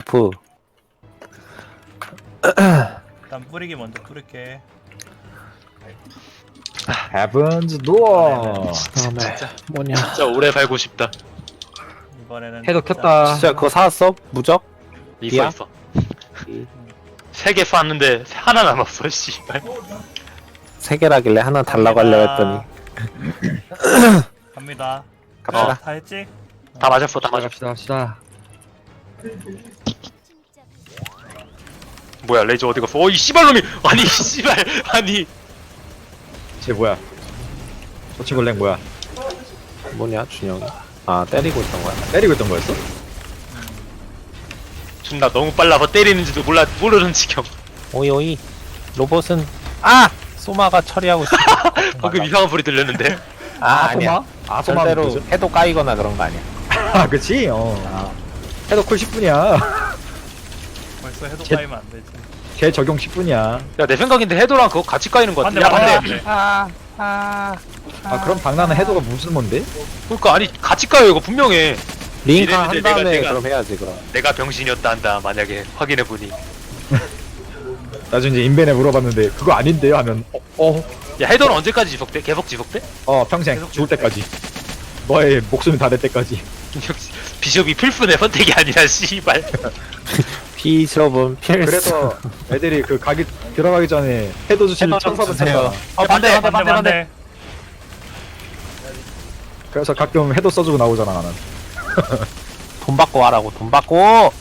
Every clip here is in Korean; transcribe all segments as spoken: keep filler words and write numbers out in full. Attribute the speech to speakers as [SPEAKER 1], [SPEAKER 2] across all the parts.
[SPEAKER 1] 버프.
[SPEAKER 2] 일단 뿌리기 먼저 뿌릴게.
[SPEAKER 3] 헤븐즈 도어.
[SPEAKER 1] 다음에 뭐냐?
[SPEAKER 4] 진짜 오래 살고 싶다.
[SPEAKER 2] 이번에는
[SPEAKER 3] 해도
[SPEAKER 2] 진짜
[SPEAKER 3] 켰다.
[SPEAKER 1] 진짜 그거 사왔어? 무적?
[SPEAKER 4] 있어
[SPEAKER 1] 이야?
[SPEAKER 4] 있어. 세 개 쐈는데 하나 남았어. 씨발.
[SPEAKER 1] 세 개라길래 하나 달라고 하려고 했더니.
[SPEAKER 2] 갑니다.
[SPEAKER 1] 갑시다.
[SPEAKER 2] 어, 다 했지?
[SPEAKER 4] 다 맞았어. 다 맞았어.
[SPEAKER 3] 갑시다 갑시다.
[SPEAKER 4] 뭐야 레이저 어디 갔어? 어이 씨발놈이. 아니 씨발. 아니.
[SPEAKER 3] 쟤 뭐야? 저치골랭 뭐야?
[SPEAKER 1] 뭐냐 준영이? 아 때리고 있던 거야.
[SPEAKER 3] 때리고 있던 거였어?
[SPEAKER 4] 존나 너무 빨라서 때리는지도 몰라 모르는 지경.
[SPEAKER 1] 오이 오이. 로봇은 아 소마가 처리하고 있어.
[SPEAKER 4] 방금 이상한 소리 들렸는데.
[SPEAKER 1] 아 아니야.
[SPEAKER 3] 아소마?
[SPEAKER 1] 절대로
[SPEAKER 3] 뭐죠?
[SPEAKER 1] 해도 까이거나 그런 거 아니야.
[SPEAKER 3] 아 그치? 어. 해도 쿨 십 분이야.
[SPEAKER 2] 벌써 해도
[SPEAKER 3] 제-
[SPEAKER 2] 까이면 안 되지.
[SPEAKER 3] 걔 적용 십 분이야.
[SPEAKER 4] 야 내 생각인데 해도랑 그거 같이 까이는 거 같아.
[SPEAKER 2] 반대,
[SPEAKER 4] 야
[SPEAKER 2] 반대.
[SPEAKER 4] 반대.
[SPEAKER 1] 아 아.
[SPEAKER 3] 아 그럼 박나는 해도가 무슨 뭔데?
[SPEAKER 4] 그러니까 아니 같이 까요 이거 분명해.
[SPEAKER 1] 링크 한
[SPEAKER 4] 이랬는데
[SPEAKER 1] 다음에
[SPEAKER 4] 내가-
[SPEAKER 1] 그럼 해야지 그럼.
[SPEAKER 4] 내가 병신이었다 한다 만약에 확인해 보니.
[SPEAKER 3] 나중에 이제 인벤에 물어봤는데 그거 아닌데요 하면 어? 어?
[SPEAKER 4] 야 해도는 언제까지 지속돼? 계속 지속돼?
[SPEAKER 3] 어 평생
[SPEAKER 2] 계속
[SPEAKER 3] 죽을 때까지. 너의 목숨이 다 될 때까지.
[SPEAKER 4] 역시 비숍이 필수네 선택이 아니라 씨발.
[SPEAKER 1] 비숍은 필수.
[SPEAKER 3] 그래서 애들이 그 가기 들어가기 전에 해도 주시는
[SPEAKER 1] 해도 좀
[SPEAKER 3] 천사분
[SPEAKER 1] 주세요.
[SPEAKER 3] 찾아.
[SPEAKER 1] 어 반대 반대 반대 반대.
[SPEAKER 3] 그래서 가끔 해도 써주고 나오잖아 나는.
[SPEAKER 1] 돈 받고 하라고 돈 받고.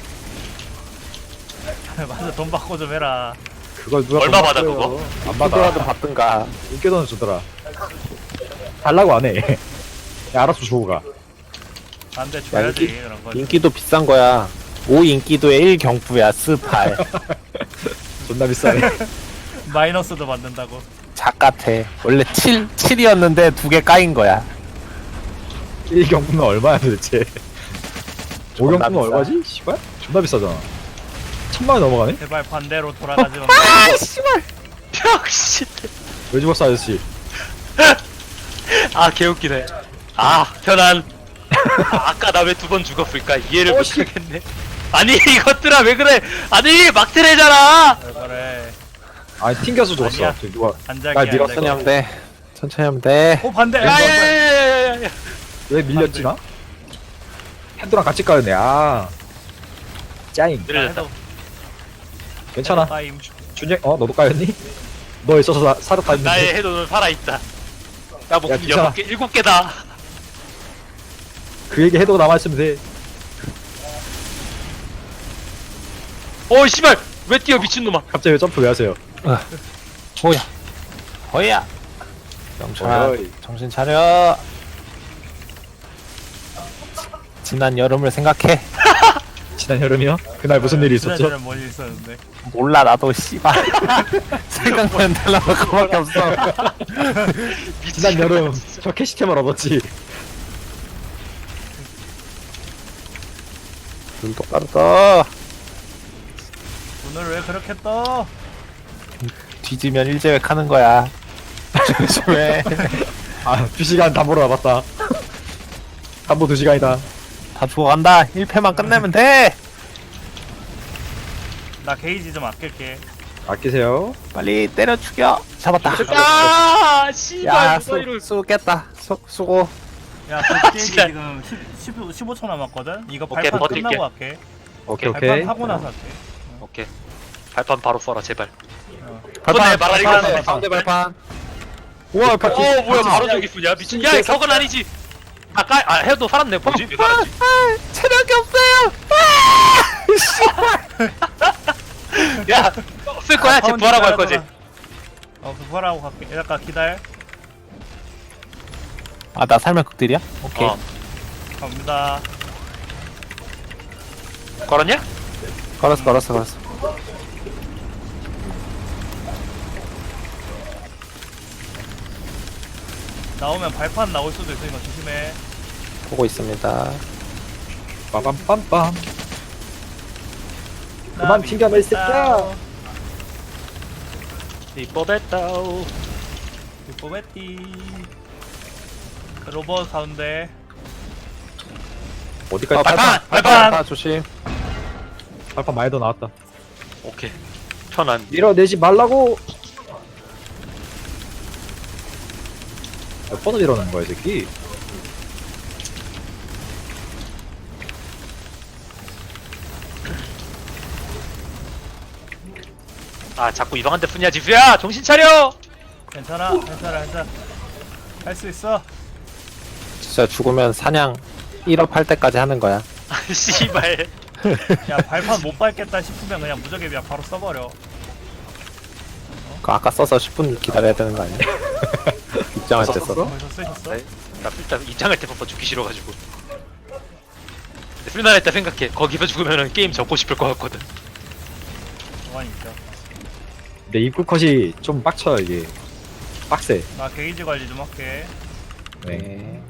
[SPEAKER 2] 맞아, 돈 받고 좀 해라.
[SPEAKER 3] 그걸 누가
[SPEAKER 4] 얼마
[SPEAKER 3] 돈
[SPEAKER 4] 받아,
[SPEAKER 3] 받고요.
[SPEAKER 4] 그거?
[SPEAKER 3] 안
[SPEAKER 1] 받더라도
[SPEAKER 3] 받아.
[SPEAKER 1] 받든가.
[SPEAKER 3] 인기도는 주더라. 달라고 안 해. 야, 알아서 주고 가.
[SPEAKER 2] 안 돼, 줘야지.
[SPEAKER 1] 인기-
[SPEAKER 2] 그런 거.
[SPEAKER 1] 인기도 비싼 거야. 오 인기도에 일 경부야 스팔.
[SPEAKER 3] 존나 비싸네.
[SPEAKER 2] 마이너스도 받는다고.
[SPEAKER 1] 작같아. 원래 칠, 칠이었는데 두 개 까인 거야.
[SPEAKER 3] 일 경품은 얼마야 도대체? 오
[SPEAKER 1] 존나
[SPEAKER 3] 경품은
[SPEAKER 1] 비싸.
[SPEAKER 3] 얼마지? 씨발? 존나 비싸잖아. 천만 원 넘어가네?
[SPEAKER 2] 제발 반대로 돌아가지 마.
[SPEAKER 1] 아 씨발.
[SPEAKER 4] 병신.
[SPEAKER 3] 왜 죽었어 아저씨?
[SPEAKER 4] 아 개웃기네. 아 현안. 아, 아까 나 왜 두 번 죽었을까 이해를
[SPEAKER 3] 어, 씨.
[SPEAKER 4] 못하겠네. 아니 이것들아 왜 그래? 아니 막트레잖아.
[SPEAKER 2] 왜 그래.
[SPEAKER 3] 아니 튕겨서 죽었어.
[SPEAKER 2] 아니야.
[SPEAKER 3] 저기 누가
[SPEAKER 2] 안작이
[SPEAKER 3] 날 밀었어.
[SPEAKER 1] 천천히 하면 돼. 천천히 하면 돼.
[SPEAKER 2] 오 반대.
[SPEAKER 4] 야야야야야.
[SPEAKER 3] 왜 밀렸지 나? 핸드랑 같이 까였네. 아. 짜잉.
[SPEAKER 4] 내려졌다.
[SPEAKER 3] 괜찮아.
[SPEAKER 2] 타임.
[SPEAKER 3] 준영 어 너도 까였니? 너 있어서 나, 살았다 했는데.
[SPEAKER 4] 나의 해도는 살아있다. 나 목숨
[SPEAKER 3] 괜찮아.
[SPEAKER 4] 여섯 개 일곱 개다.
[SPEAKER 3] 그에게 해도가 남아있으면 돼.
[SPEAKER 4] 어 씨발 왜 뛰어 미친놈아.
[SPEAKER 3] 갑자기 왜 점프 왜 하세요?
[SPEAKER 1] 뭐야? 뭐야? 영철아,
[SPEAKER 3] 어이.
[SPEAKER 1] 정신 차려. 지난 여름을 생각해.
[SPEAKER 3] 지난 여름이요? 그날 무슨 일이 있었죠?
[SPEAKER 2] 지난주에 뭔일 있었는데.
[SPEAKER 1] 몰라 나도 씨발. 생각나는 달라고 그밖에 없어.
[SPEAKER 3] 지난 여름 저 캐시템을 얻었지.
[SPEAKER 1] 눈 똑바로 떠.
[SPEAKER 2] 오늘 왜 그렇게 떠?
[SPEAKER 1] 뒤지면 일제획 하는 거야. 조심해.
[SPEAKER 3] 아, 두 시간 담보로 와봤다. 담보 두 시간이다.
[SPEAKER 1] 다 죽어간다. 일 패만 끝내면 돼.
[SPEAKER 2] 나 게이지 좀 아낄게.
[SPEAKER 3] 아끼세요.
[SPEAKER 1] 빨리 때려 죽여. 잡았다.
[SPEAKER 4] 야 씨발
[SPEAKER 1] 야,
[SPEAKER 4] 누가 이럴.
[SPEAKER 1] 수, 수겠다. 수, 수고.
[SPEAKER 2] 야, 그 게이지
[SPEAKER 4] 진짜.
[SPEAKER 2] 지금 십, 십, 십오 초 남았거든? 이거
[SPEAKER 4] 오케이,
[SPEAKER 2] 발판
[SPEAKER 4] 버틸게.
[SPEAKER 2] 끝나고 할게.
[SPEAKER 3] 오케이,
[SPEAKER 2] 발판
[SPEAKER 3] 오케이.
[SPEAKER 2] 하고 나서 할게.
[SPEAKER 4] 오케이. 발판 바로 써라 제발.
[SPEAKER 1] 발판,
[SPEAKER 4] 손에 말하는
[SPEAKER 1] 발판,
[SPEAKER 4] 거
[SPEAKER 1] 가운데 발판. 우와,
[SPEAKER 4] 어
[SPEAKER 1] 발판.
[SPEAKER 4] 뭐야 바로 저기 쓰냐 미친. 야 저건 아니지. 아까 아 해도 살았네 뭐지 왜 살았지?
[SPEAKER 1] 아, 체력이 없어요.
[SPEAKER 4] 야 쓸 거야 쟤 부활하고 할 거지.
[SPEAKER 2] 어, 그 부활하고 갈게. 잠깐 기다려.
[SPEAKER 1] 아, 나 살면 극딜이야? 오케이.
[SPEAKER 4] 어
[SPEAKER 2] 갑니다.
[SPEAKER 4] 걸었냐?
[SPEAKER 1] 걸었어, 걸었어, 걸었어.
[SPEAKER 2] 나오면 발판 나올 수도 있으니까 조심해.
[SPEAKER 1] 보고 있습니다.
[SPEAKER 3] 빠밤빰빰. 그만 튕겨내, 이 새끼야.
[SPEAKER 4] 이뻐했다오.
[SPEAKER 2] 뽀베띠. 로봇 가운데.
[SPEAKER 3] 어디까지?
[SPEAKER 1] 어,
[SPEAKER 4] 발판!
[SPEAKER 1] 발판!
[SPEAKER 4] 발판!
[SPEAKER 1] 발판! 조심.
[SPEAKER 3] 발판 많이 더 나왔다.
[SPEAKER 4] 오케이. 편안.
[SPEAKER 3] 밀어내지 말라고. 몇 번을 이러는 거야 이 새끼.
[SPEAKER 4] 아 자꾸 이방한테 뿐이야 지수야. 정신 차려.
[SPEAKER 2] 괜찮아 괜찮아 괜찮아 할 수 있어.
[SPEAKER 1] 진짜 죽으면 사냥 일 업 할 때까지 하는 거야.
[SPEAKER 4] 아, 씨발.
[SPEAKER 2] 야 발판 못 밟겠다 싶으면 그냥 무적에 그냥 바로 써버려.
[SPEAKER 1] 그 아까 써서 십 분 기다려야 되는 거 아니야? 입장할 때 써서.
[SPEAKER 2] 벌써 쓰셨어?
[SPEAKER 4] 네? 나 일단 입장할 때 바빠 죽기 싫어가지고. 풀난 했다 생각해. 거기서 죽으면은 게임 접고 싶을 것 같거든.
[SPEAKER 2] 가만히 있죠.
[SPEAKER 3] 근데 입구 컷이 좀 빡쳐 이게. 빡세.
[SPEAKER 2] 나 게이지 관리 좀 할게.
[SPEAKER 3] 네.
[SPEAKER 1] 네.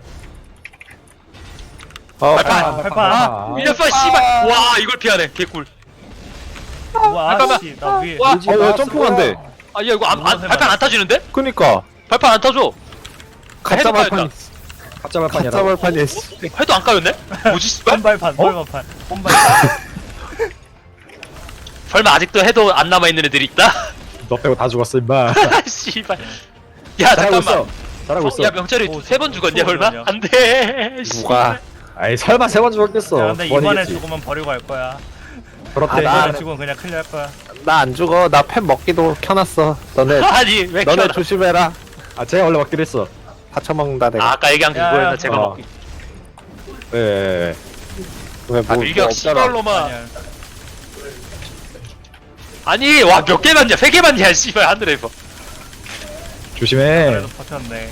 [SPEAKER 1] 어,
[SPEAKER 4] 발판!
[SPEAKER 2] 아, 발판.
[SPEAKER 4] 밀렸어 씨발. 와 이걸 피하네. 개꿀.
[SPEAKER 2] 우와
[SPEAKER 4] 잠깐만.
[SPEAKER 2] 아씨 나 위에.
[SPEAKER 4] 와.
[SPEAKER 3] 밀지
[SPEAKER 1] 어, 왜
[SPEAKER 3] 마,
[SPEAKER 1] 점프가 안 돼?
[SPEAKER 4] 아 야 이거 안, 안, 발판 안 타지는데?
[SPEAKER 1] 그니까.
[SPEAKER 4] 발판 안 타줘.
[SPEAKER 1] 가짜
[SPEAKER 4] 해도
[SPEAKER 1] 발판.
[SPEAKER 4] 까였다.
[SPEAKER 3] 가짜 발판이야.
[SPEAKER 1] 가짜 발판이야. 씨.
[SPEAKER 4] 해도 안 까였네? 뭐지 씨발?
[SPEAKER 2] 혼발판 혼발판 혼발판.
[SPEAKER 4] 설마 아직도 해도 안 남아있는 애들이 있다?
[SPEAKER 3] 너 빼고 다 죽었어 임마.
[SPEAKER 4] 씨발. 야
[SPEAKER 3] 잘하고
[SPEAKER 4] 잠깐만.
[SPEAKER 3] 있어. 잘하고 있어.
[SPEAKER 4] 야 명찰이
[SPEAKER 2] 오,
[SPEAKER 4] 세 번
[SPEAKER 2] 저-
[SPEAKER 4] 죽었냐
[SPEAKER 2] 저
[SPEAKER 4] 설마?
[SPEAKER 2] 죽었냐?
[SPEAKER 4] 안돼.
[SPEAKER 1] 누가?
[SPEAKER 3] 아이 설마 세 번 죽었겠어.
[SPEAKER 2] 야 근데
[SPEAKER 3] 두
[SPEAKER 2] 이번에
[SPEAKER 3] 번이겠지.
[SPEAKER 2] 죽으면 버리고 갈 거야.
[SPEAKER 3] 그렇대.
[SPEAKER 1] 아, 나-
[SPEAKER 2] 이번에 죽으면 그냥 클리어 할 거야.
[SPEAKER 1] 나 안 죽어. 나 펜 먹기도 켜놨어. 너네,
[SPEAKER 4] 아니 왜
[SPEAKER 1] 너네
[SPEAKER 4] 키워놔?
[SPEAKER 1] 조심해라.
[SPEAKER 3] 아 제가 원래 먹기로 했어.
[SPEAKER 1] 다쳐먹는다, 내가.
[SPEAKER 4] 아, 아까 얘기한 게
[SPEAKER 2] 야,
[SPEAKER 4] 그거였나
[SPEAKER 2] 야,
[SPEAKER 4] 제가
[SPEAKER 3] 어.
[SPEAKER 4] 먹기.
[SPEAKER 3] 예. 예, 예.
[SPEAKER 1] 왜 뭐,
[SPEAKER 4] 아
[SPEAKER 1] 뭐
[SPEAKER 4] 밀격
[SPEAKER 1] 없잖아.
[SPEAKER 4] 씨발로만.
[SPEAKER 2] 아니야.
[SPEAKER 4] 아니 와 몇 개 맞냐? 세 개 맞냐? 씨발 하늘에서.
[SPEAKER 3] 조심해.
[SPEAKER 2] 그래도 버텼네.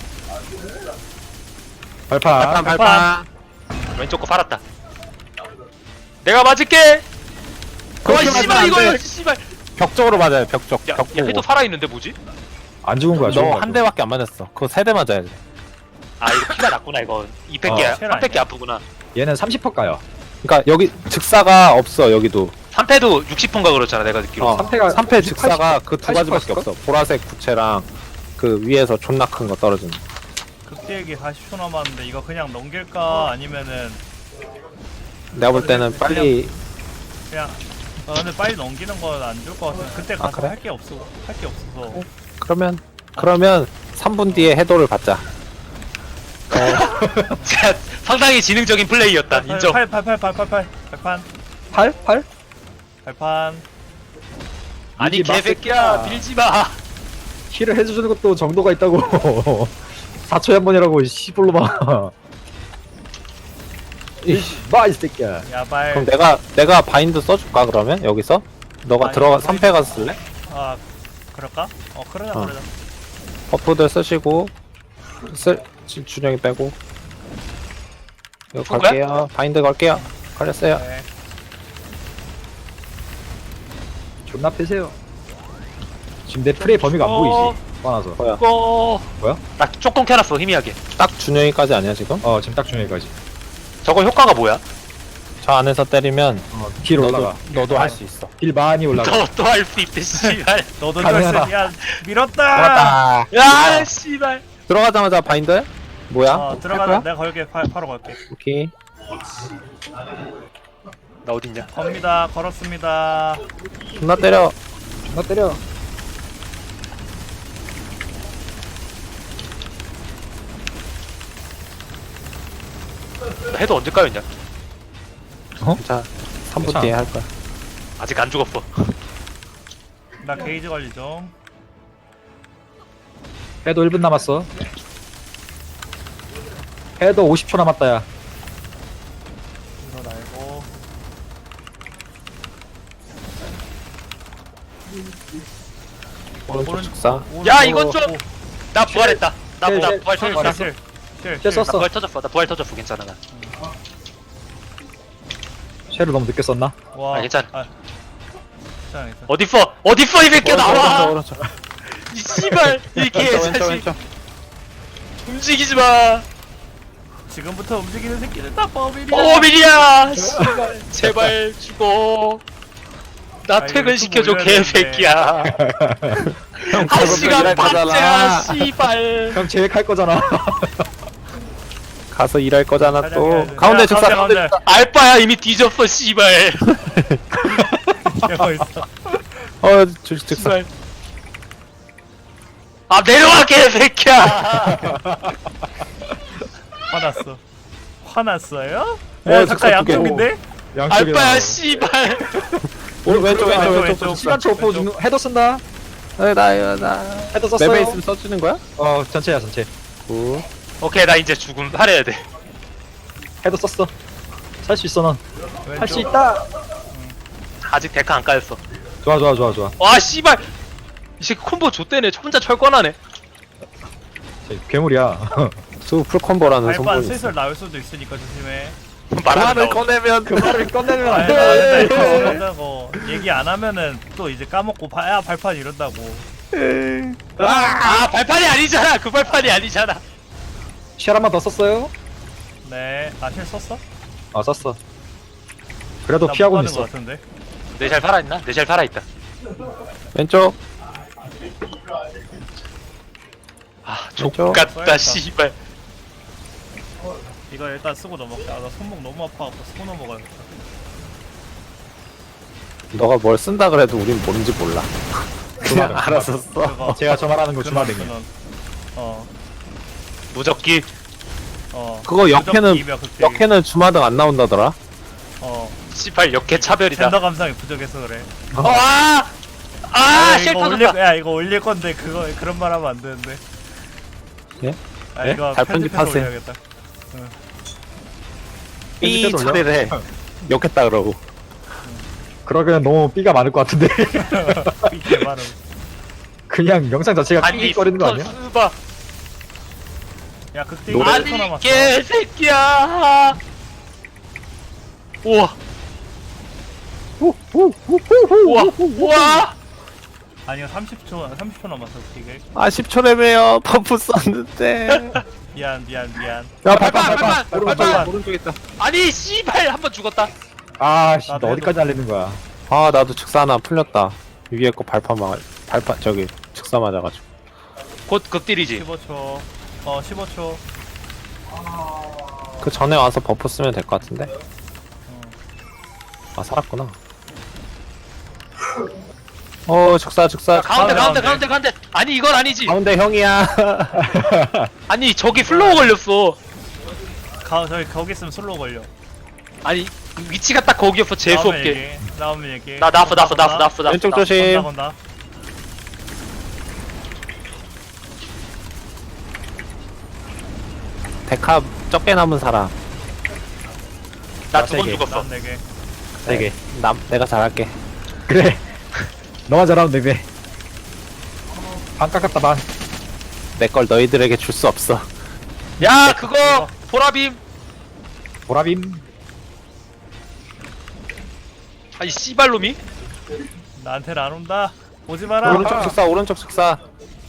[SPEAKER 3] 발판.
[SPEAKER 1] 발판, 발판.
[SPEAKER 4] 왼쪽 거 팔았다. 내가 맞을게. 와
[SPEAKER 1] 그렇게 맞으면
[SPEAKER 4] 씨발
[SPEAKER 1] 안
[SPEAKER 4] 이거
[SPEAKER 1] 돼.
[SPEAKER 4] 씨발.
[SPEAKER 1] 벽 쪽으로 맞아요, 벽 쪽.
[SPEAKER 4] 야,
[SPEAKER 1] 벽
[SPEAKER 4] 야
[SPEAKER 1] 보고.
[SPEAKER 4] 해도 살아 있는데 뭐지?
[SPEAKER 3] 안 죽은 거야. 죽은
[SPEAKER 1] 너
[SPEAKER 3] 거야.
[SPEAKER 1] 한 대밖에 안 맞았어. 그거 세 대 맞아야 돼.
[SPEAKER 4] 아 이거 피가 났구나 이거. 이백
[SPEAKER 3] 어,
[SPEAKER 4] 개야.
[SPEAKER 2] 쉘
[SPEAKER 4] 삼백 개
[SPEAKER 2] 아니야?
[SPEAKER 4] 아프구나.
[SPEAKER 3] 얘는 삼십 퍼 가요.
[SPEAKER 1] 그러니까 여기 즉사가 없어, 여기도.
[SPEAKER 4] 삼 패도 육십 폰가 그렇잖아 내가 듣기로.
[SPEAKER 1] 어,
[SPEAKER 3] 삼 패가
[SPEAKER 1] 삼 패 즉사가 그 두
[SPEAKER 3] 팔십
[SPEAKER 1] 가지밖에
[SPEAKER 3] 퍼였을까?
[SPEAKER 1] 없어. 보라색 구체랑 그 위에서 존나 큰 거 떨어지는.
[SPEAKER 2] 극대기 사십 초 남았는데 이거 그냥 넘길까 아니면은
[SPEAKER 1] 내가 볼 때는 빨리
[SPEAKER 2] 그냥 어, 근데 빨리 넘기는 건 안 줄 것 같아. 그때 가서
[SPEAKER 1] 그래?
[SPEAKER 2] 할 게 없어. 할 게 없어서.
[SPEAKER 1] 그러면 그러면 삼 분 뒤에 해도를 받자.
[SPEAKER 4] 자, 상당히 지능적인 플레이였다. 인정.
[SPEAKER 2] 팔, 팔, 팔, 팔, 팔, 팔, 발판,
[SPEAKER 3] 팔? 팔?
[SPEAKER 2] 발판.
[SPEAKER 4] 아니
[SPEAKER 3] 밀지 마,
[SPEAKER 4] 개새끼야
[SPEAKER 3] 새끼야.
[SPEAKER 4] 밀지 마.
[SPEAKER 3] 힐을 해주는 것도 정도가 있다고. 사 초에 한 번이라고 시불로만. 마이 새끼야.
[SPEAKER 2] 야발.
[SPEAKER 1] 그럼 내가 내가 바인드 써줄까 그러면 여기서 너가
[SPEAKER 2] 아니,
[SPEAKER 1] 들어가
[SPEAKER 2] 우리-
[SPEAKER 1] 삼 패 가서 쓸래?
[SPEAKER 2] 아, 그럴까? 어, 그러자,
[SPEAKER 1] 어.
[SPEAKER 2] 그러자.
[SPEAKER 1] 버프들 쓰시고 쓸 지- 준영이 빼고 이거
[SPEAKER 4] 누구야?
[SPEAKER 1] 걸게요. 바인드 걸게요. 걸렸어요.
[SPEAKER 2] 네.
[SPEAKER 3] 존나 패세요. 지금 내 플레이 범위가 안
[SPEAKER 4] 어.
[SPEAKER 3] 보이지? 화나서.
[SPEAKER 1] 뭐야?
[SPEAKER 4] 이거
[SPEAKER 3] 뭐야?
[SPEAKER 4] 나 조금 켜놨어 희미하게.
[SPEAKER 1] 딱 준영이까지 아니야 지금?
[SPEAKER 3] 어 지금 딱 중요해까지.
[SPEAKER 4] 저거 효과가 뭐야?
[SPEAKER 1] 저 안에서 때리면
[SPEAKER 3] 어, 딜
[SPEAKER 1] 너도
[SPEAKER 3] 올라가.
[SPEAKER 1] 너도 할 수 있어.
[SPEAKER 3] 딜 많이 올라가.
[SPEAKER 4] 너 또 할 수 있대 씨발.
[SPEAKER 2] 너도
[SPEAKER 3] 가능하다.
[SPEAKER 2] 쩔스, 야, 밀었다!
[SPEAKER 1] 들어갔다.
[SPEAKER 4] 야 씨발.
[SPEAKER 1] 들어가자마자 바인드? 뭐야?
[SPEAKER 2] 어,
[SPEAKER 1] 할
[SPEAKER 2] 들어가자.
[SPEAKER 1] 거야?
[SPEAKER 2] 내가 걸게. 바, 바로 걸게.
[SPEAKER 1] 오케이.
[SPEAKER 4] 나 어딨냐?
[SPEAKER 2] 겁니다. 걸었습니다.
[SPEAKER 1] 존나 때려.
[SPEAKER 3] 존나 때려.
[SPEAKER 4] 나 해도 언제 까였냐?
[SPEAKER 1] 자, 삼 분
[SPEAKER 3] 괜찮아.
[SPEAKER 1] 뒤에 할 거야.
[SPEAKER 4] 아직 안 죽었어.
[SPEAKER 2] 나 게이지 관리 좀.
[SPEAKER 3] 해도 일 분 남았어. 해도 오십 초 남았다 야.
[SPEAKER 2] 이거 날고.
[SPEAKER 1] 오른쪽
[SPEAKER 2] 오른-
[SPEAKER 1] 즉사.
[SPEAKER 4] 야
[SPEAKER 2] 오른-
[SPEAKER 4] 이건
[SPEAKER 2] 오,
[SPEAKER 4] 좀.
[SPEAKER 2] 오.
[SPEAKER 4] 나 부활했다. 나,
[SPEAKER 3] 실,
[SPEAKER 4] 나
[SPEAKER 3] 실,
[SPEAKER 4] 부활
[SPEAKER 2] 실,
[SPEAKER 4] 터졌어.
[SPEAKER 2] 실, 실, 실,
[SPEAKER 3] 실
[SPEAKER 2] 실.
[SPEAKER 3] 썼어.
[SPEAKER 4] 나 부활 터졌어. 나 부활 터졌어. 괜찮아 나.
[SPEAKER 3] 쉐를 너무 늦게 썼나?
[SPEAKER 2] 와.
[SPEAKER 4] 아, 괜찮아.
[SPEAKER 2] 아, 괜찮아, 괜찮아.
[SPEAKER 4] 어딨어? 어딨어 이 새끼야
[SPEAKER 1] 오른쪽,
[SPEAKER 4] 나와.
[SPEAKER 1] 오른쪽, 오른쪽.
[SPEAKER 4] 이 씨발 이
[SPEAKER 1] 왼쪽, 왼쪽,
[SPEAKER 4] 개자식.
[SPEAKER 1] 왼쪽.
[SPEAKER 4] 움직이지 마.
[SPEAKER 2] 지금부터 움직이는 새끼는 다 범인이야.
[SPEAKER 4] 오밀이야. 씨발 제발 죽어. 나
[SPEAKER 2] 아,
[SPEAKER 4] 퇴근
[SPEAKER 2] 이거
[SPEAKER 4] 시켜줘
[SPEAKER 2] 유튜브 올려야
[SPEAKER 4] 개새끼야.
[SPEAKER 1] 형,
[SPEAKER 4] 한
[SPEAKER 1] 그거
[SPEAKER 4] 시간
[SPEAKER 1] 일할
[SPEAKER 4] 반째야
[SPEAKER 1] 거잖아.
[SPEAKER 4] 씨발.
[SPEAKER 3] 형 계획할 거잖아.
[SPEAKER 1] 가서 일할 거잖아
[SPEAKER 2] 가자,
[SPEAKER 1] 또.
[SPEAKER 2] 가자.
[SPEAKER 1] 가운데
[SPEAKER 2] 야,
[SPEAKER 1] 즉사,
[SPEAKER 2] 가운데,
[SPEAKER 1] 가운데
[SPEAKER 2] 가운데.
[SPEAKER 1] 즉사.
[SPEAKER 4] 알바야 이미 뒤졌어 씨발.
[SPEAKER 2] 이러고 있어.
[SPEAKER 1] 어 즉, 즉사
[SPEAKER 4] 씨발. 아 내려와 개새끼야.
[SPEAKER 2] 화났어. 화났어요?
[SPEAKER 1] 어,
[SPEAKER 2] 어,
[SPEAKER 1] 즉사
[SPEAKER 2] 잠깐
[SPEAKER 1] 두 개.
[SPEAKER 2] 양쪽인데?
[SPEAKER 3] 양쪽에
[SPEAKER 4] 알바야 씨발.
[SPEAKER 1] 오른 왼쪽 왼쪽
[SPEAKER 2] 왼쪽,
[SPEAKER 1] 왼쪽
[SPEAKER 2] 왼쪽.
[SPEAKER 1] 쪽
[SPEAKER 3] 시간 초보 주는 헤더 쓴다.
[SPEAKER 1] 나나 나
[SPEAKER 3] 헤더 썼어요.
[SPEAKER 1] 맵에 있으면 써주는 거야?
[SPEAKER 3] 어 전체야 전체.
[SPEAKER 1] 굿.
[SPEAKER 4] 오케이 나 이제 죽음 하려야 돼.
[SPEAKER 3] 헤더 썼어. 살 수 있어 넌. 할 수
[SPEAKER 2] 왼쪽.
[SPEAKER 3] 있다.
[SPEAKER 4] 아직 데카 안 까였어.
[SPEAKER 3] 좋아 좋아 좋아 좋아.
[SPEAKER 4] 와 씨발. 이 새끼 콤보 좆대네. 혼자 철권하네.
[SPEAKER 3] 저 괴물이야.
[SPEAKER 1] 수 풀콤보라는
[SPEAKER 2] 발판
[SPEAKER 1] 선보이
[SPEAKER 2] 슬슬
[SPEAKER 1] 있어.
[SPEAKER 2] 나올 수도 있으니까 조심해.
[SPEAKER 4] 말하는
[SPEAKER 1] 말을
[SPEAKER 4] 거.
[SPEAKER 1] 꺼내면
[SPEAKER 3] 그 말을 꺼내면 안
[SPEAKER 2] 아니,
[SPEAKER 3] 돼.
[SPEAKER 2] 안 된다, 이런다고. 얘기 안 하면은 또 이제 까먹고 봐야 발판 이런다고.
[SPEAKER 4] 아, 아 발판이 아니잖아. 그 발판이 아니잖아.
[SPEAKER 3] 쉘 한 번 더 썼어요?
[SPEAKER 2] 네. 아실 썼어?
[SPEAKER 3] 어 썼어. 그래도
[SPEAKER 2] 나
[SPEAKER 3] 피하고
[SPEAKER 2] 못
[SPEAKER 3] 있어.
[SPEAKER 2] 가는 것 같은데.
[SPEAKER 4] 내 잘 살아있나? 내 잘 살아있다.
[SPEAKER 1] 왼쪽
[SPEAKER 4] 아
[SPEAKER 1] 왼쪽.
[SPEAKER 4] 족같다
[SPEAKER 2] 써야겠다.
[SPEAKER 4] 씨발.
[SPEAKER 2] 이거 일단 쓰고 넘어갈게. 아, 나 손목 너무 아파갖고 쓰고 넘어가야겠다.
[SPEAKER 1] 너가 뭘 쓴다 그래도 우린 뭔지 몰라. 그냥 알아서 써.
[SPEAKER 2] 그거.
[SPEAKER 3] 제가 저 말하는 거
[SPEAKER 2] 근원,
[SPEAKER 3] 주마등이야.
[SPEAKER 2] 근원. 어,
[SPEAKER 4] 무적기.
[SPEAKER 2] 어.
[SPEAKER 1] 그거 역해는
[SPEAKER 2] 부적기이며 극딜.
[SPEAKER 1] 역해는 주마등 안 나온다더라.
[SPEAKER 2] 어.
[SPEAKER 4] 씨발 역해 차별이다.
[SPEAKER 2] 젠더 감상이 부족해서 그래.
[SPEAKER 4] 어, 아! 아,
[SPEAKER 2] 야,
[SPEAKER 4] 쉘
[SPEAKER 2] 이거 올릴,
[SPEAKER 4] 터졌다.
[SPEAKER 2] 야 이거 올릴 건데 그거 그런 말 하면 안 되는데.
[SPEAKER 1] 예?
[SPEAKER 2] 아
[SPEAKER 1] 예?
[SPEAKER 2] 이거
[SPEAKER 1] 잘
[SPEAKER 2] 편집해서
[SPEAKER 1] 편집하세요.
[SPEAKER 2] 올려야겠다.
[SPEAKER 1] 삐
[SPEAKER 3] 편집해서 올려?
[SPEAKER 1] 처리를 해. 욕했다 그러고.
[SPEAKER 3] 그러기엔 너무 삐가 많을 것 같은데.
[SPEAKER 2] 이게 바로.
[SPEAKER 3] 그냥 영상 자체가
[SPEAKER 4] 아니,
[SPEAKER 3] 삐거리는 거 아니야?
[SPEAKER 4] 수바.
[SPEAKER 2] 야 극딜
[SPEAKER 1] 노래-
[SPEAKER 2] 일 초
[SPEAKER 4] 아니,
[SPEAKER 2] 남았어.
[SPEAKER 4] 개새끼야. 우와, 우와, 우와.
[SPEAKER 2] 아니 이거 삼십 초 삼십 초 남았어 극딜.
[SPEAKER 1] 아 십 초래매요. 버프 썼는데.
[SPEAKER 2] 미안 미안 미안.
[SPEAKER 1] 야
[SPEAKER 4] 발판,
[SPEAKER 1] 발판 발판.
[SPEAKER 4] 발판,
[SPEAKER 1] 오른쪽
[SPEAKER 2] 발판.
[SPEAKER 1] 오른쪽 있다.
[SPEAKER 4] 아니, 씨발, 한 번 죽었다.
[SPEAKER 3] 아씨,
[SPEAKER 2] 나도
[SPEAKER 3] 너 어디까지 알리는 거야?
[SPEAKER 1] 아 나도 즉사 하나 풀렸다. 위에 거 발판 막 발판 저기 즉사 맞아가지고.
[SPEAKER 4] 곧 극딜이지.
[SPEAKER 2] 십오 초. 어 십오 초.
[SPEAKER 1] 그 전에 와서 버프 쓰면 될 것 같은데. 아 살았구나. 어 즉사 즉사.
[SPEAKER 4] 가운데, 가운데,
[SPEAKER 2] 가운데,
[SPEAKER 4] 가운데, 가운데. 아니, 이건 아니지.
[SPEAKER 1] 가운데 형이야.
[SPEAKER 4] 아니, 저기 플로우 걸렸어.
[SPEAKER 2] 가 저기 거기 있으면 슬로우 걸려.
[SPEAKER 4] 아니, 위치가 딱 거기였어. 재수
[SPEAKER 2] 나오면
[SPEAKER 4] 없게.
[SPEAKER 2] 얘기해. 나오면 얘기해.
[SPEAKER 4] 나, 나프, 나프, 나프, 나프, 나프.
[SPEAKER 1] 왼쪽
[SPEAKER 4] 나프.
[SPEAKER 1] 조심.
[SPEAKER 2] 건다 건다.
[SPEAKER 1] 데카 적게 남은 사람.
[SPEAKER 4] 나 두 번
[SPEAKER 3] 세 개.
[SPEAKER 4] 죽었어.
[SPEAKER 2] 난 네개.
[SPEAKER 3] 네 개.
[SPEAKER 1] 남 내가 잘할게.
[SPEAKER 3] 그래. 너만 잘하면 네 배. 반 깎았다 반.
[SPEAKER 1] 내 걸 너희들에게 줄 수 없어.
[SPEAKER 4] 야, 그거, 보라빔.
[SPEAKER 3] 보라빔.
[SPEAKER 4] 아이, 씨발놈이.
[SPEAKER 2] 나한테는 안 온다. 오지 마라.
[SPEAKER 1] 오른쪽 즉사 오른쪽 즉사.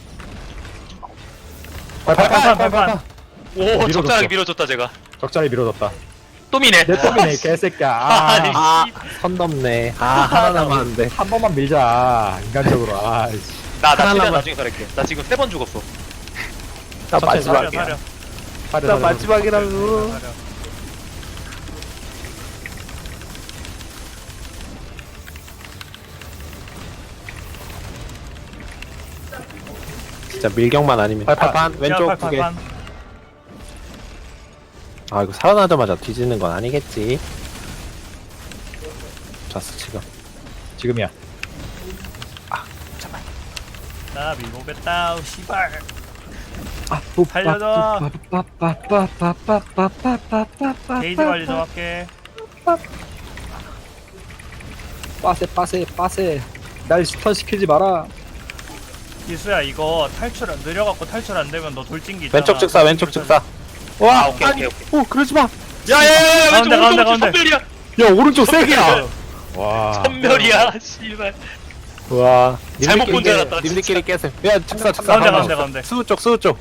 [SPEAKER 3] 발판
[SPEAKER 2] 발판 발판.
[SPEAKER 4] 오,
[SPEAKER 3] 밀어줬어.
[SPEAKER 4] 적절하게 밀어줬다, 제가.
[SPEAKER 3] 적절히 밀어줬다.
[SPEAKER 4] 또 미네.
[SPEAKER 3] 내 놈이네 개새끼야.
[SPEAKER 4] 아니,
[SPEAKER 3] 아,
[SPEAKER 1] 아, 선 넘네. 아, 하나 남았는데.
[SPEAKER 3] 한 번만 밀자 인간적으로. 아,
[SPEAKER 4] 나, 나
[SPEAKER 1] 하나
[SPEAKER 4] 최대한
[SPEAKER 1] 남았-
[SPEAKER 4] 나중에 살릴게. 나 지금 세 번 죽었어.
[SPEAKER 1] 나
[SPEAKER 3] 천천히
[SPEAKER 2] 사려
[SPEAKER 1] 마지막이야.
[SPEAKER 2] 사려.
[SPEAKER 3] 사려,
[SPEAKER 1] 나
[SPEAKER 3] 사려.
[SPEAKER 1] 마지막이라고.
[SPEAKER 2] 사려.
[SPEAKER 1] 진짜 밀경만 아니면.
[SPEAKER 3] 발판.
[SPEAKER 1] 발판, 왼쪽
[SPEAKER 2] 야,
[SPEAKER 1] 두
[SPEAKER 2] 발판,
[SPEAKER 1] 개.
[SPEAKER 2] 발판.
[SPEAKER 1] 아, 이거 살아나자마자 뒤지는 건 아니겠지. 좋았어, 지금.
[SPEAKER 3] 지금이야.
[SPEAKER 2] 나 미보겠다. 우, 씨발.
[SPEAKER 3] 아,
[SPEAKER 2] 살려줘.
[SPEAKER 3] 빠빠빠빠빠빠빠빠빠빠빠빠빠.
[SPEAKER 2] 게이지 관리 좀 할게.
[SPEAKER 3] 빠세 빠세 빠세. 날 스턴 시키지 마라.
[SPEAKER 2] 기수야 이거 탈출 안 느려갖고 탈출 안 되면 너 돌진기 있잖아.
[SPEAKER 1] 왼쪽 즉사, 왼쪽 즉사.
[SPEAKER 4] 아,
[SPEAKER 1] 와,
[SPEAKER 4] 오케이,
[SPEAKER 1] 아니,
[SPEAKER 4] 오케이,
[SPEAKER 1] 오, 그러지 마.
[SPEAKER 4] 야, 야, 야, 야,
[SPEAKER 2] 가운데,
[SPEAKER 4] 왼쪽,
[SPEAKER 2] 가운데,
[SPEAKER 4] 오른쪽,
[SPEAKER 2] 가운데.
[SPEAKER 4] 선멸이야.
[SPEAKER 1] 야, 오른쪽 세 개야.
[SPEAKER 3] 와.
[SPEAKER 4] 선멸이야, 씨발.
[SPEAKER 1] 와,
[SPEAKER 4] 잘못 본줄
[SPEAKER 1] 님들끼리
[SPEAKER 4] 알았다,
[SPEAKER 1] 깨- 님들끼리 깨세요. 야, 즉사, 즉사.
[SPEAKER 2] 가운데
[SPEAKER 1] 가운데.
[SPEAKER 2] 가운데 가운데.
[SPEAKER 1] 수우 쪽, 수우 쪽.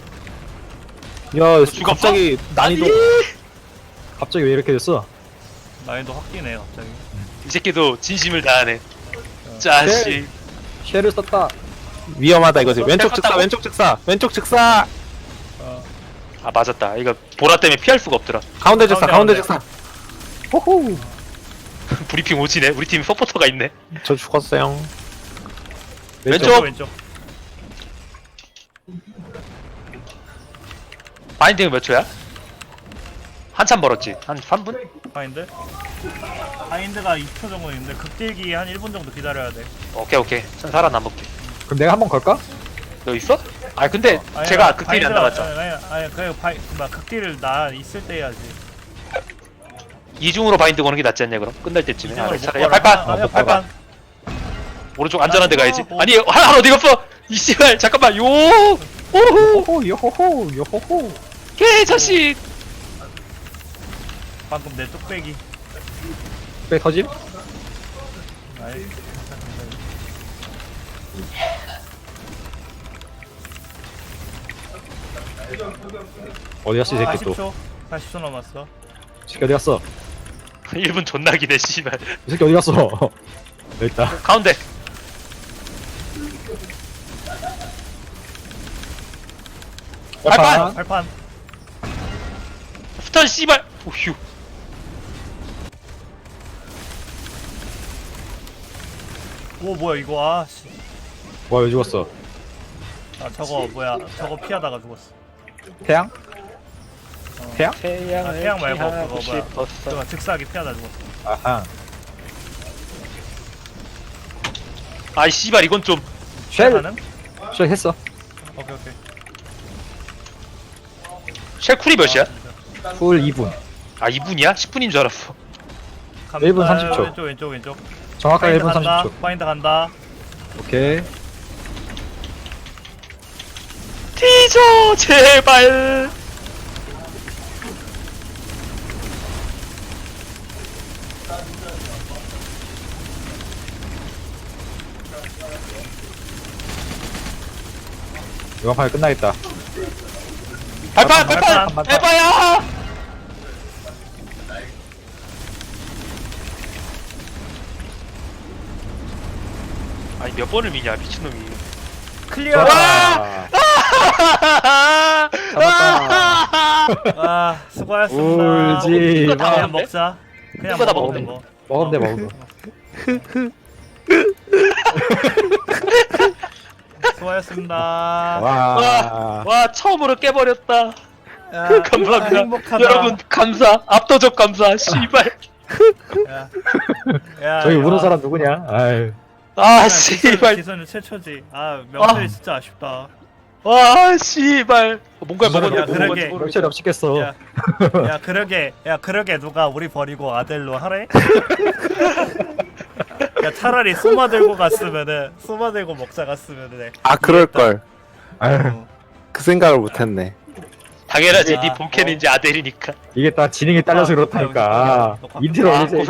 [SPEAKER 1] 야,
[SPEAKER 4] 죽었어?
[SPEAKER 1] 갑자기 난이도.
[SPEAKER 3] 갑자기 왜 이렇게 됐어?
[SPEAKER 2] 난이도 확 뛰네 갑자기.
[SPEAKER 4] 이 새끼도 진심을 다하네. 짜식.
[SPEAKER 3] 쉘을 썼다.
[SPEAKER 1] 위험하다 이거지. 왼쪽 즉사,
[SPEAKER 4] 땄다고?
[SPEAKER 1] 왼쪽 즉사, 왼쪽 즉사.
[SPEAKER 4] 아, 맞았다. 이거 보라 때문에 피할 수가 없더라.
[SPEAKER 1] 가운데 즉사,
[SPEAKER 2] 가운데,
[SPEAKER 1] 가운데
[SPEAKER 2] 가운데.
[SPEAKER 1] 즉사. 호호.
[SPEAKER 4] 브리핑 오지네. 우리 팀 서포터가 있네.
[SPEAKER 1] 저 죽었어요.
[SPEAKER 4] 왼쪽.
[SPEAKER 2] 왼쪽.
[SPEAKER 4] 바인딩은 몇 초야? 한참 멀었지. 한 삼 분?
[SPEAKER 2] 바인드. 바인드가 이 초 정도 있는데 극딜기 한 일 분 정도 기다려야 돼.
[SPEAKER 4] 오케이 오케이. 전 살아남을게.
[SPEAKER 3] 그럼 내가 한번 걸까?
[SPEAKER 4] 너 있어? 아 근데
[SPEAKER 2] 아니,
[SPEAKER 4] 제가
[SPEAKER 2] 아니,
[SPEAKER 4] 극딜이 안
[SPEAKER 2] 바인드가-
[SPEAKER 4] 나갔잖아.
[SPEAKER 2] 아니 아니, 아니 그 바이 막 극딜을 나 있을 때 해야지.
[SPEAKER 4] 이중으로 바인드 거는 게 낫지 않냐 그럼? 끝날 때쯤에. 아,
[SPEAKER 2] 이중으로
[SPEAKER 4] 차라리
[SPEAKER 2] 못
[SPEAKER 4] 야,
[SPEAKER 2] 걸어.
[SPEAKER 4] 발판.
[SPEAKER 2] 아, 야,
[SPEAKER 3] 못
[SPEAKER 2] 발판.
[SPEAKER 4] 오른쪽 안전한 데 가야지.
[SPEAKER 2] 어, 어.
[SPEAKER 4] 아니 한, 한 어디 갔어? 이 씨발 잠깐만. 요. 오호.
[SPEAKER 3] 요호호 요호호 요호호.
[SPEAKER 4] 개 자식.
[SPEAKER 2] 방금 내 뚝배기.
[SPEAKER 3] 왜 터짐?
[SPEAKER 2] 아이.
[SPEAKER 3] 어디 갔어 이 새끼
[SPEAKER 2] 사십
[SPEAKER 3] 또?
[SPEAKER 2] 초. 사십 초 남았어.
[SPEAKER 3] 이 새끼 어디 갔어?
[SPEAKER 4] 일 분 존나 기네 씨발.
[SPEAKER 3] 이 새끼 어디 갔어? 여기 있다.
[SPEAKER 4] 가운데. 발판!
[SPEAKER 2] 발판.
[SPEAKER 4] 스턴 씨발. 오휴.
[SPEAKER 2] 오 뭐야 이거 아 씨.
[SPEAKER 3] 와 왜 죽었어?
[SPEAKER 2] 아 저거 뭐야 저거 피하다가 죽었어.
[SPEAKER 3] 태양? 태양?
[SPEAKER 4] 태양을
[SPEAKER 2] 아, 태양 말고
[SPEAKER 4] 피하고
[SPEAKER 2] 그거 뭐야.
[SPEAKER 4] 싶었어.
[SPEAKER 2] 저거 즉사하게 피하다 죽었어.
[SPEAKER 3] 아하.
[SPEAKER 4] 아이 씨발 이건 좀.
[SPEAKER 3] 쉘!
[SPEAKER 2] 가능?
[SPEAKER 3] 쉘 했어.
[SPEAKER 2] 오케이 오케이.
[SPEAKER 4] 쉘 쿨이 몇이야?
[SPEAKER 3] 쿨 이 분.
[SPEAKER 4] 아 이 분이야? 십 분인 줄 알았어.
[SPEAKER 2] 간다.
[SPEAKER 3] 일 분 삼십 초.
[SPEAKER 2] 왼쪽 왼쪽 왼쪽.
[SPEAKER 3] 정확하게 일 분
[SPEAKER 2] 간다.
[SPEAKER 3] 삼십 초.
[SPEAKER 2] 파인드 간다.
[SPEAKER 3] 오케이.
[SPEAKER 4] 티저 제발.
[SPEAKER 3] 이번 판에 끝나겠다.
[SPEAKER 4] 발판
[SPEAKER 2] 발판,
[SPEAKER 4] 발판
[SPEAKER 3] 발판.
[SPEAKER 4] 에바야. 아니 몇 번을 미냐 미친놈이.
[SPEAKER 2] 클리어.
[SPEAKER 3] 와! 잡았다.
[SPEAKER 2] 아 수고하셨습니다.
[SPEAKER 3] 울지
[SPEAKER 4] 이거 다
[SPEAKER 3] 마.
[SPEAKER 2] 그냥 먹자. 그냥
[SPEAKER 4] 이거 다
[SPEAKER 2] 먹으면
[SPEAKER 4] 먹으면
[SPEAKER 2] 돼, 뭐.
[SPEAKER 3] 먹으면 돼 먹으면.
[SPEAKER 2] 수고하셨습니다.
[SPEAKER 3] 와.
[SPEAKER 4] 와 처음으로 깨버렸다.
[SPEAKER 2] 야,
[SPEAKER 4] 감사합니다.
[SPEAKER 2] 행복하다.
[SPEAKER 4] 여러분 감사. 압도적 감사. 씨발.
[SPEAKER 2] 야, 야,
[SPEAKER 3] 저기
[SPEAKER 2] 야.
[SPEAKER 3] 우는 사람 누구냐? 아유.
[SPEAKER 4] 아
[SPEAKER 2] 그냥 기선-
[SPEAKER 4] 씨발.
[SPEAKER 2] 기선은 최초지. 아 명철이
[SPEAKER 4] 아.
[SPEAKER 2] 진짜 아쉽다.
[SPEAKER 4] 와 씨발. 뭔가
[SPEAKER 3] 무슨
[SPEAKER 4] 먹었냐
[SPEAKER 2] 야,
[SPEAKER 4] 뭐
[SPEAKER 2] 그러게.
[SPEAKER 4] 먹었지 모르겠어.
[SPEAKER 3] 명철이 없겠어.
[SPEAKER 2] 야, 야 그러게 야 그러게 누가 우리 버리고 아델로 하래? 야 차라리 소마 들고 갔으면은 소마 들고 먹자 갔으면은
[SPEAKER 1] 아 그럴걸.
[SPEAKER 3] 아유.
[SPEAKER 1] 그 생각을 못했네.
[SPEAKER 4] 당연하지.
[SPEAKER 2] 아,
[SPEAKER 4] 네 본캐는
[SPEAKER 2] 어.
[SPEAKER 4] 이제 아델이니까.
[SPEAKER 3] 이게 다 지능이 딸려서
[SPEAKER 2] 녹화,
[SPEAKER 3] 그렇다니까.
[SPEAKER 2] 녹화, 녹화.
[SPEAKER 3] 인트로
[SPEAKER 4] 아,
[SPEAKER 3] 올리세요.